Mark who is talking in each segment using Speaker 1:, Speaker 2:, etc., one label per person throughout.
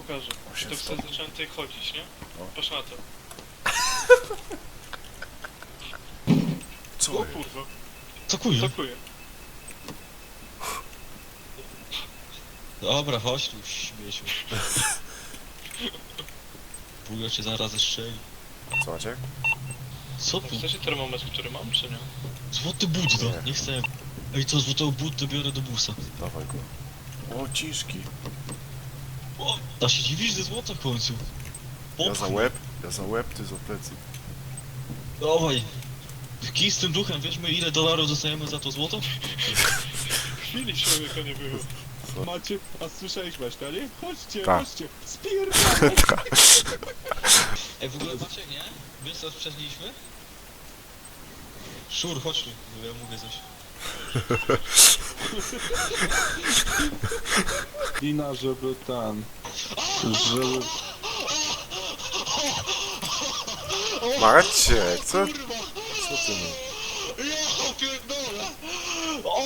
Speaker 1: pokażę. To wtedy zacząłem tutaj chodzić, nie? Patrz na to.
Speaker 2: Co?
Speaker 1: O kurwa.
Speaker 3: Zakuję.
Speaker 1: Zakuję.
Speaker 3: Dobra, chodź tu, śmieciu. Buja cię zaraz zestrzeli.
Speaker 2: Co macie?
Speaker 3: Co tu?
Speaker 1: Chcecie termometr, który mam, czy nie?
Speaker 3: Złoty but,
Speaker 2: Nie.
Speaker 3: no, nie chcę. Ej, co, złotego buta biorę do busa.
Speaker 2: Dawaj go. O, ciszki.
Speaker 3: O, a się dziwisz, że złota w końcu.
Speaker 2: Ja za łeb, ty za plecy.
Speaker 3: Dawaj. Kij z tym duchem, wiedzmy ile dolarów dostajemy za to złoto?
Speaker 1: Chwili człowieka nie było.
Speaker 4: Macie, a słyszałeś Maślanie? Chodźcie,
Speaker 2: Tak.
Speaker 4: chodźcie, spierdolę!
Speaker 3: Ej, w ogóle macie, nie? Wiesz co sprzedliśmy? Szur, chodź tu, bo ja mówię coś.
Speaker 4: Lina, żeby ten... Żeby...
Speaker 2: Maciek, co?
Speaker 3: Kurwa!
Speaker 2: Co ty mu?
Speaker 3: Ja pierdolę! O!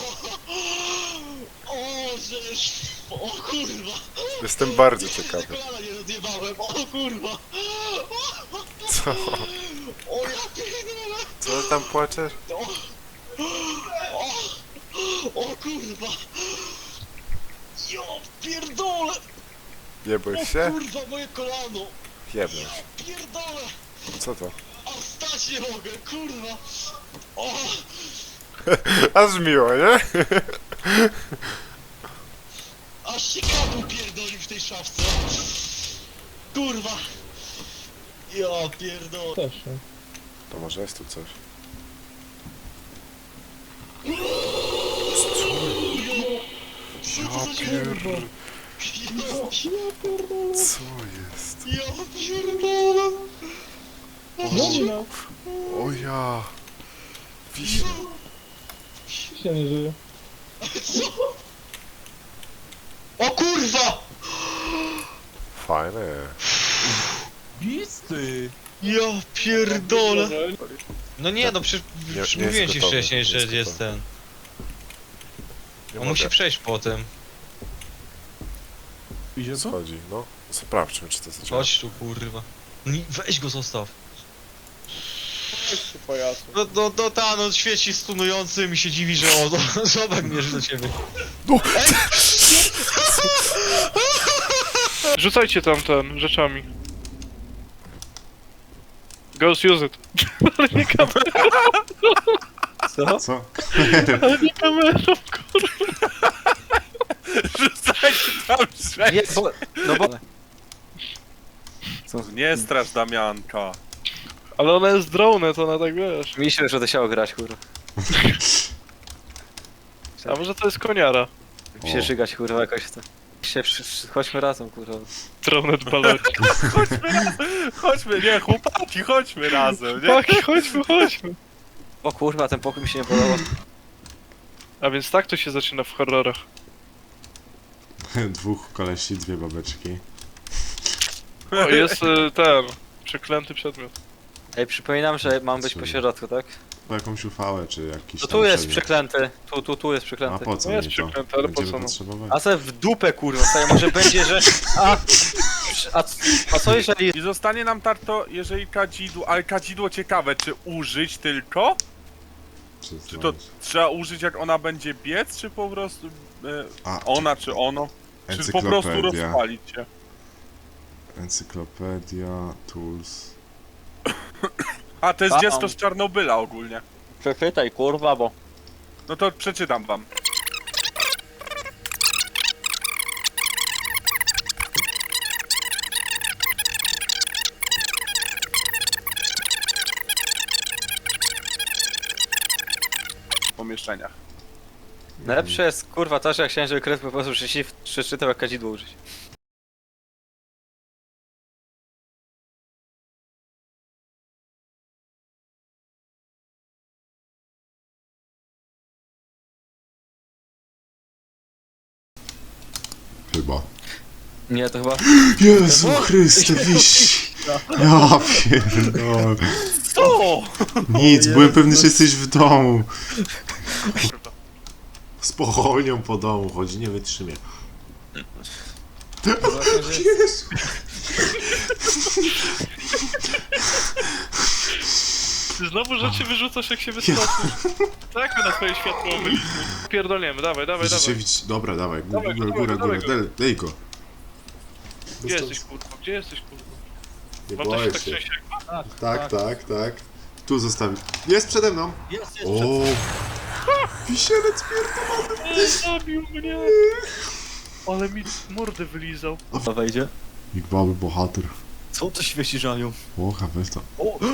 Speaker 3: O, żeż! O kurwa!
Speaker 2: Jestem bardzo
Speaker 3: Jeszcze
Speaker 2: ciekawy.
Speaker 3: kolana nie rozjebałem, o kurwa!
Speaker 2: Co?
Speaker 3: O ja pierdolę!
Speaker 2: Co tam płaczesz?
Speaker 3: O kurwa! Ja pierdolę! O
Speaker 2: Jebłeś się?
Speaker 3: kurwa, moje kolano!
Speaker 2: Jebnąć.
Speaker 3: Pierdolę!
Speaker 2: Co to?
Speaker 3: A wstać nie mogę, kurwa! O!
Speaker 2: Aż miło, nie?
Speaker 3: Aż się kadłub pierdolił w tej szafce! Kurwa! Ja pierdolę!
Speaker 1: Też,
Speaker 2: To może jest tu coś. Ja pierdolę. Co jest?
Speaker 3: Ja pierdolę!
Speaker 2: O ja. Wiśnie.
Speaker 1: się nie żyje.
Speaker 3: Co? O kurwa!
Speaker 2: Fajne.
Speaker 4: Bisty!
Speaker 3: Ja pierdolę! No nie, no przecież
Speaker 2: Nie
Speaker 3: mówiłem
Speaker 2: jest
Speaker 3: ci
Speaker 2: gotowy,
Speaker 3: wcześniej,
Speaker 2: nie
Speaker 3: że
Speaker 2: jest
Speaker 3: jest
Speaker 2: gotowy.
Speaker 3: ten.
Speaker 2: Nie
Speaker 3: On musi
Speaker 2: mogę.
Speaker 3: przejść po tym.
Speaker 4: Idzie co?
Speaker 2: Chodzi, no. Sprawdźmy, czy to zaczęło.
Speaker 3: Chodź tu kurwa. Weź go zostaw.
Speaker 1: Jeszcze pajacu.
Speaker 3: No ta, no świeci stunujący mi się dziwi, że on zobacz mierzy do ciebie.
Speaker 2: No.
Speaker 1: Rzucajcie tam ten, rzeczami. Ghost use it. Ale nie kamerą,
Speaker 3: Co?
Speaker 5: Co?
Speaker 1: ale nie kamerą, kurwa.
Speaker 4: Rzucajcie tam
Speaker 3: Nie,
Speaker 4: sześć!
Speaker 3: bo, no bo...
Speaker 4: Nie strasz Damianka.
Speaker 1: Ale ona jest drone, to ona tak wiesz.
Speaker 6: Myślę, że to się grać, kurwa.
Speaker 1: A może to jest koniara?
Speaker 6: Się żygać, kurwa, jakoś to. Chodźmy razem, kurwa.
Speaker 1: Drone balot.
Speaker 4: Chodźmy, nie, chłopaki, chodźmy razem, nie?
Speaker 1: Tak, chodźmy.
Speaker 6: O kurwa, ten pokój mi się nie podoba.
Speaker 1: A więc tak to się zaczyna w horrorach.
Speaker 5: Dwóch kolesi, dwie babeczki.
Speaker 1: O, jest ten, przeklęty przedmiot.
Speaker 6: Ej, przypominam, że mam być po środku, tak?
Speaker 5: Po jakąś ufałę, czy jakiś
Speaker 6: To
Speaker 5: tam
Speaker 6: tu jest
Speaker 5: przedmiot.
Speaker 6: przeklęty. Tu jest
Speaker 5: A
Speaker 6: przeklęty.
Speaker 5: po co
Speaker 1: No jest
Speaker 5: mi to?
Speaker 1: przeklęte, ale po
Speaker 5: Będziemy
Speaker 1: co no?
Speaker 5: potrzebować.
Speaker 6: A se w dupę, kurwa, staje, może będzie, że... A co jeżeli...
Speaker 4: I zostanie nam tarto, jeżeli kadzidło, ale kadzidło ciekawe, czy użyć tylko? Czy to trzeba użyć jak ona będzie biec, czy po prostu
Speaker 5: A,
Speaker 4: ona, czy ono? Czy po prostu
Speaker 5: encyklopedia.
Speaker 4: rozpalić się?
Speaker 5: Encyklopedia, tools.
Speaker 4: A, to jest
Speaker 6: A,
Speaker 4: dziecko z Czarnobyla ogólnie.
Speaker 6: Przeczytaj, kurwa, bo...
Speaker 4: No to przeczytam wam. W pomieszczeniach.
Speaker 6: Najlepsze jest, kurwa, to, że jak chciałem, żeby kres po prostu przeczytał, jak kadzidło użyć.
Speaker 5: Chyba.
Speaker 6: Nie, to chyba...
Speaker 5: Jezu Chryste, wiś! Ja pierdolę.
Speaker 4: Co?
Speaker 5: Nic, byłem pewny, że jesteś w domu. Z pochownią po domu chodzi, nie wytrzymie. Jezu.
Speaker 1: Ty znowu rzeczy wyrzucasz jak się wystraszysz. Tak my na twoje światło byliśmy. Pierdolniemy, dawaj, dawaj,
Speaker 5: Widzicie,
Speaker 1: dawaj.
Speaker 5: widzicie. Dobra, dawaj.
Speaker 1: Dawaj go,
Speaker 5: Góra.
Speaker 1: dawaj go.
Speaker 5: Daj go.
Speaker 1: Gdzie jesteś kurwa? Gdzie jesteś kurwa?
Speaker 5: Nie
Speaker 1: Mam to się
Speaker 5: boję
Speaker 1: tak
Speaker 5: się.
Speaker 1: częściej.
Speaker 5: Tak. Tu zostawić. Jest przede mną.
Speaker 6: Jest,
Speaker 5: O! Wisielec pierdolony.
Speaker 1: Zabił mnie! Ale mi mordę wylizał.
Speaker 6: To wejdzie.
Speaker 5: Big Baby bohater.
Speaker 6: Co to świeci żaniu?
Speaker 5: Ocha, weź to.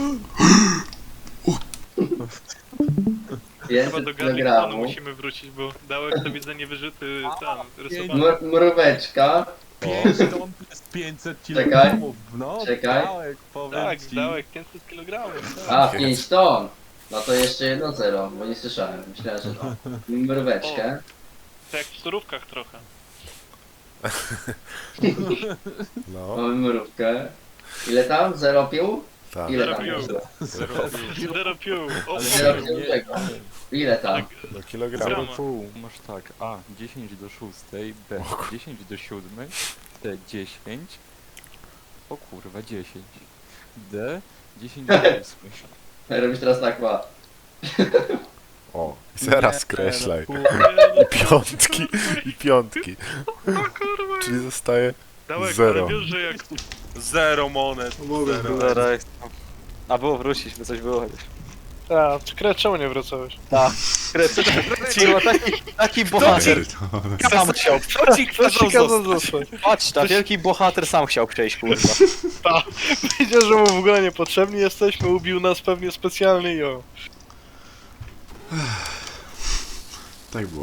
Speaker 1: Chyba do
Speaker 7: 500
Speaker 1: Garliconu
Speaker 7: kilogramów.
Speaker 1: musimy wrócić, bo dałek to widzę niewyżyty ten, rysowany.
Speaker 7: Mróweczka.
Speaker 4: 5 ton to jest 500
Speaker 7: Czekaj.
Speaker 4: kilogramów. No,
Speaker 7: Czekaj.
Speaker 4: Dałek, powiem
Speaker 1: Tak,
Speaker 4: ci.
Speaker 1: dałek 500 kg.
Speaker 7: A, 5 ton. No to jeszcze 1-0, bo nie słyszałem. Myślałem, że to. Mróweczkę.
Speaker 1: Tak jak w surówkach trochę.
Speaker 2: No,
Speaker 7: Mamy mrówkę. Ile tam? 0 pił?
Speaker 2: tak.
Speaker 7: Ile
Speaker 1: Zero
Speaker 7: tam
Speaker 1: pił.
Speaker 7: jest?
Speaker 1: Zero pił. O,
Speaker 7: 0
Speaker 1: o,
Speaker 7: pił czego? Ile tam?
Speaker 2: Do kilogramu.
Speaker 1: Grama.
Speaker 8: Pół, masz tak, A 10 do 6, B 10 do 7, C 10, o kurwa 10, D 10 do 8.
Speaker 7: Robisz teraz tak, ma.
Speaker 2: O, i zaraz skreślaj.
Speaker 8: no,
Speaker 2: I piątki.
Speaker 1: kurwa.
Speaker 2: Czyli zostaje
Speaker 1: Dałek,
Speaker 2: zero.
Speaker 1: ale wiesz, że jak...
Speaker 4: Zero monet. Zero.
Speaker 6: Zaraz. A było wrócić, by coś było chociaż.
Speaker 1: A, czemu nie wracałeś?
Speaker 6: Kurwa, taki bohater sam chciał.
Speaker 4: Kto ci kazał zostać?
Speaker 6: Patrz, ta wielki bohater sam chciał przejść, kurwa.
Speaker 1: Wiedział, że mu w ogóle niepotrzebni jesteśmy, ubił nas pewnie specjalnie i o.
Speaker 5: Tak było.